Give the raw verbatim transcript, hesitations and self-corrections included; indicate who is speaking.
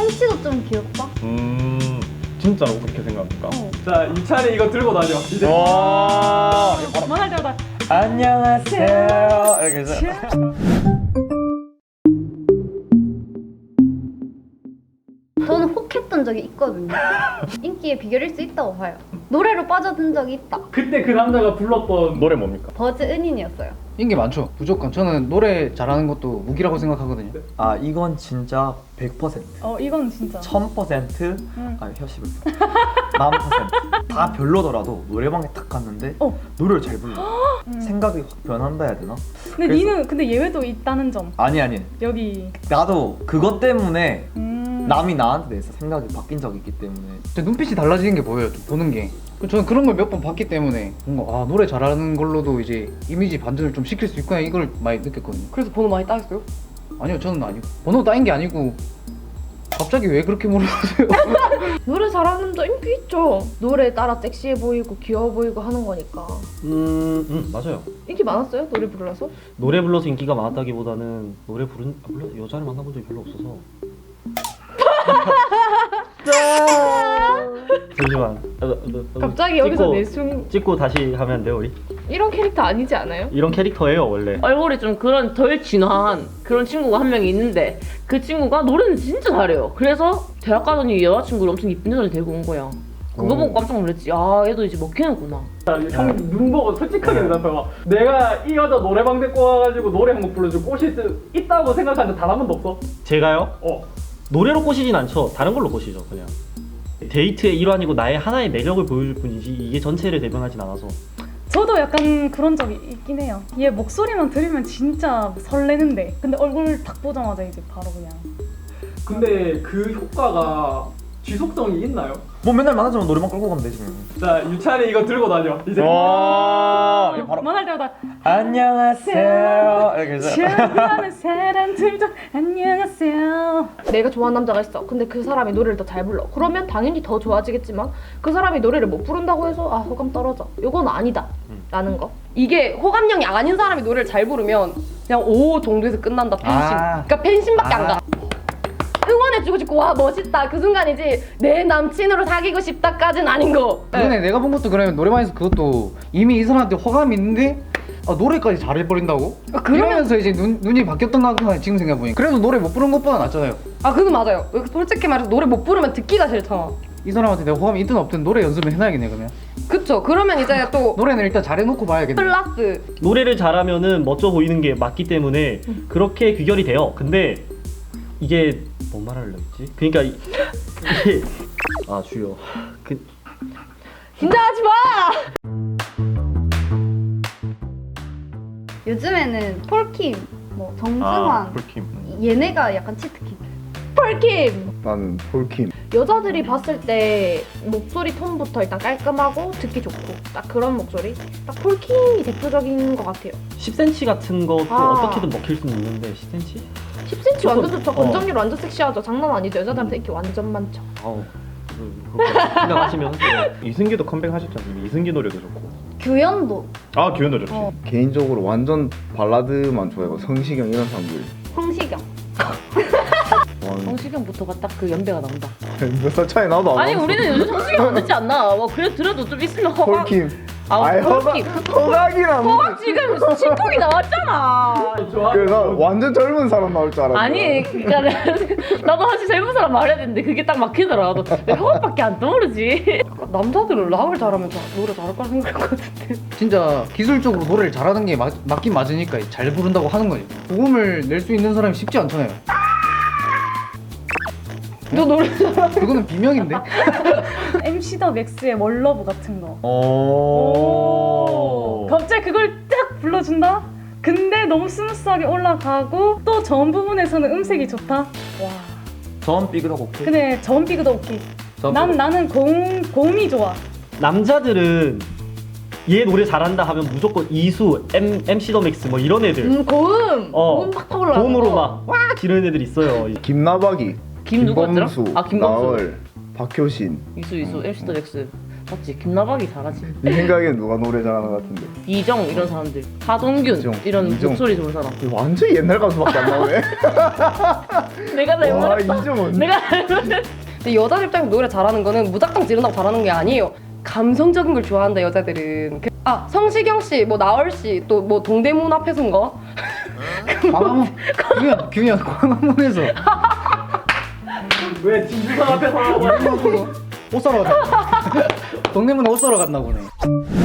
Speaker 1: 꽁치도 좀 귀엽다.
Speaker 2: 음 진짜로 그렇게 생각합니까?
Speaker 1: 어.
Speaker 3: 자, 유찬이 이거 들고 다녀. 이제
Speaker 2: 와
Speaker 1: 말할 때마다
Speaker 2: 안녕하세요 이렇게 해서
Speaker 1: 저는 혹했던 적이 있거든요. 인기의 비결일 수 있다고 봐요. 노래로 빠져든 적이 있다.
Speaker 3: 그때 그 남자가 불렀던
Speaker 2: 노래 뭡니까?
Speaker 1: 버즈 은인이었어요.
Speaker 4: 인기 많죠. 무조건 저는 노래 잘하는 것도 무기라고 생각하거든요.
Speaker 5: 아 이건 진짜 백 퍼센트
Speaker 6: 어 이건 진짜
Speaker 5: 천 퍼센트
Speaker 6: 응.
Speaker 5: 아니 혀씹을 만 퍼센트 다 별로더라도 노래방에 딱 갔는데
Speaker 6: 어.
Speaker 5: 노래를 잘 불러
Speaker 6: 음.
Speaker 5: 생각이 확 변한다 해야 되나?
Speaker 6: 근데
Speaker 5: 그래서-
Speaker 6: 니는 근데 예외도 있다는 점
Speaker 5: 아니 아니
Speaker 6: 여기
Speaker 5: 나도 그것 때문에
Speaker 6: 음.
Speaker 5: 남이 나한테 대해서 생각이 바뀐 적이 있기 때문에
Speaker 4: 제 눈빛이 달라지는 게 보여요. 좀 보는 게. 저는 그런 걸 몇 번 봤기 때문에 뭔가 아 노래 잘하는 걸로도 이제 이미지 반전을 좀 시킬 수 있구나 이걸 많이 느꼈거든요.
Speaker 7: 그래서 번호 많이 따겠어요?
Speaker 4: 아니요 저는 아니고 번호 따인 게 아니고 갑자기 왜 그렇게 물어보세요?
Speaker 7: 노래 잘하는 남자 인기 있죠. 노래에 따라 섹시해 보이고 귀여워 보이고 하는 거니까.
Speaker 8: 음, 음 맞아요.
Speaker 7: 인기 많았어요? 노래 불러서?
Speaker 8: 노래 불러서 인기가 많았다기보다는 노래 부른 아, 물론 여자를 만나본 적이 별로 없어서. 잠시만. 아, 나, 나, 나,
Speaker 7: 갑자기
Speaker 8: 찍고,
Speaker 7: 여기서 내숭
Speaker 8: 찍고 다시 하면 안 돼요 우리?
Speaker 7: 이런 캐릭터 아니지 않아요?
Speaker 8: 이런 캐릭터예요 원래.
Speaker 9: 얼굴이 좀 그런 덜 진화한 그런 친구가 한 명이 있는데 그 친구가 노래는 진짜 잘해요. 그래서 대학 가더니 여자친구를 엄청 이쁜 여자를 데리고 온 거야. 그거 보고 깜짝 놀랐지. 아 얘도 이제 먹히는구나.
Speaker 3: 형 눈 보고 솔직하게 대답해 봐. 내가 이 여자 노래방 데리고 와가지고 노래 한 곡 불러주고 꼬실 수 있다고 생각한 적 단 한 번도 없어?
Speaker 8: 제가요?
Speaker 3: 어.
Speaker 8: 노래로 꼬시진 않죠. 다른 걸로 꼬시죠 그냥. 데이트의 일환이고 나의 하나의 매력을 보여줄 뿐이지 이게 전체를 대변하진 않아서.
Speaker 6: 저도 약간 그런 적이 있긴 해요. 얘 목소리만 들으면 진짜 설레는데 근데 얼굴 딱 보자마자 이제 바로 그냥
Speaker 3: 근데 그 효과가 지속성이 있나요?
Speaker 5: 뭐 맨날 만나자면 노래방 끌고 가면 되지 뭐.
Speaker 3: 자, 유찬이 이거 들고 다녀. 이제
Speaker 2: 와 바로
Speaker 6: 말할 때마다
Speaker 2: 안녕하세요 이렇게 해서
Speaker 6: 좋아하는 사람들도 안녕하세요.
Speaker 7: 내가 좋아하는 남자가 있어. 근데 그 사람이 노래를 더 잘 불러. 그러면 당연히 더 좋아지겠지만 그 사람이 노래를 못 부른다고 해서 아 호감 떨어져. 이건 아니다. 라는 거. 이게 호감형이 아닌 사람이 노래를 잘 부르면 그냥 오 정도에서 끝난다. 팬심.
Speaker 4: 아.
Speaker 7: 그러니까 팬심밖에 안 가. 응원해주고 싶고 와 멋있다 그 순간이지 내 남친으로 사귀고 싶다까진 아닌 거.
Speaker 4: 이번에 내가 본 것도 그러면 노래방에서 그것도 이미 이 사람한테 호감이 있는데 아, 노래까지 잘해버린다고?
Speaker 7: 그러면-
Speaker 4: 이러면서 이제 눈, 눈이 바뀌었던 것 같아 지금 생각해보니. 그래도 노래 못 부른 것보다 낫잖아요.
Speaker 7: 아 그건 맞아요. 솔직히 말해서 노래 못 부르면 듣기가 싫잖아.
Speaker 4: 이 사람한테 내가 호감이 있든 없든 노래 연습을 해놔야겠네 그러면.
Speaker 7: 그쵸. 그러면 이제 또
Speaker 4: 노래는 일단 잘해놓고 봐야겠네.
Speaker 7: 플러스
Speaker 8: 노래를 잘하면은 멋져 보이는 게 맞기 때문에 그렇게 귀결이 돼요. 근데 이게 뭔 말하려 했지? 그러니까 이- 이게 아 주여 그
Speaker 7: 긴장하지 마.
Speaker 1: 요즘에는 폴킴, 뭐 정승환
Speaker 2: 아 폴킴
Speaker 1: 얘네가 약간 치트키.
Speaker 7: 폴킴.
Speaker 10: 나는 폴킴.
Speaker 7: 여자들이 봤을 때 목소리 톤부터 일단 깔끔하고 듣기 좋고 딱 그런 목소리. 딱 폴킴이 대표적인 것 같아요.
Speaker 8: 십 센티미터 같은 것도
Speaker 7: 아.
Speaker 8: 어떻게든 먹힐 수는 있는데 십 센티미터?
Speaker 7: 십 센티미터 완전 좋죠.
Speaker 8: 어.
Speaker 7: 건장률 완전 섹시하죠. 장난 아니죠. 여자들한테 인기 완전 많죠.
Speaker 8: 아우 그- 그렇게 생각하시면 하세요.
Speaker 2: 이승기도 컴백하셨잖아요. 이승기 노래도 좋고
Speaker 1: 규현도,
Speaker 2: 아 규현도 좋지.
Speaker 1: 어.
Speaker 10: 개인적으로 완전 발라드만 좋아해요. 성시경 이런 사람들.
Speaker 1: 성시경.
Speaker 9: 성시경부터가 딱 그 연배가 나온다.
Speaker 10: 몇 살 차이 나도 안
Speaker 9: 아니
Speaker 10: 나왔어.
Speaker 9: 우리는 요즘 성시경 안 듣지 않나? 뭐 그래 들어도 좀 있으면 허각.
Speaker 10: 폴킴.
Speaker 9: 아
Speaker 10: 아이,
Speaker 9: 폴킴.
Speaker 10: 허각이랑
Speaker 9: 허각 지금 신곡이 나왔잖아.
Speaker 3: 좋아.
Speaker 10: 그래서 완전 젊은 사람 나올 줄 알았어.
Speaker 9: 아니 그러니까 나도 사실 젊은 사람 말해야 되는데 그게 딱 막히더라. 나도 왜 허각밖에 안 떠오르지?
Speaker 7: 남자들은 락을 잘하면 자- 노래 잘할 거라 생각할 것 같은데.
Speaker 4: 진짜 기술적으로 노래를 잘하는 게 맞, 맞긴 맞으니까 잘 부른다고 하는 거지. 고음을 낼 수 있는 사람이 쉽지 않잖아요.
Speaker 7: 너 노래
Speaker 4: 그거는 비명인데?
Speaker 6: 엠씨 더 맥스의 월러브 같은 거.
Speaker 5: 오.
Speaker 6: 갑자기 그걸 딱 불러준다? 근데 너무 스무스하게 올라가고 또 전 부분에서는 음색이 좋다? 와.
Speaker 5: 전 삐그덕 오케이.
Speaker 6: 근데 전 비그도 오케이.
Speaker 5: 전
Speaker 6: 난,
Speaker 5: 삐그덕.
Speaker 6: 나는 고음, 고음이 좋아.
Speaker 8: 남자들은 얘 노래 잘한다 하면 무조건 이수, M, 엠씨 더 맥스 뭐 이런 애들
Speaker 7: 음 고음.
Speaker 8: 어,
Speaker 7: 고음 팍팍 올라가.
Speaker 8: 고음으로 막 와 지르는 애들 있어요.
Speaker 10: 김나박이.
Speaker 9: 김 누구였더라?
Speaker 10: 김범수.
Speaker 9: 아, 김범수.
Speaker 10: 나얼. 박효신.
Speaker 9: 이수 이수 엠씨 더 넥스. 맞지? 김나박이 잘하지.
Speaker 10: 네 생각엔 누가 노래 잘하는 것 같은데?
Speaker 9: 이정 이런 사람들, 하동균
Speaker 10: 이정,
Speaker 9: 이런
Speaker 10: 이정.
Speaker 9: 목소리 좋은 사람.
Speaker 10: 완전 옛날 가수밖에 안 나오네.
Speaker 9: 내가
Speaker 10: 와
Speaker 9: 잘못했어.
Speaker 10: 이정은.
Speaker 9: 내가 잘못했어.
Speaker 7: 근데 여자 입장에서 노래 잘하는 거는 무작정 지른다고 잘하는 게 아니에요. 감성적인 걸 좋아한다 여자들은. 그- 아 성시경 씨, 뭐 나얼 씨, 또 뭐 동대문 앞에 선 거.
Speaker 4: 광화문 그냥 그냥 광화문에서
Speaker 3: 왜 진주성 앞에서 하고
Speaker 4: 옷 사러 갔나? 동대문 옷 사러 갔나 보네.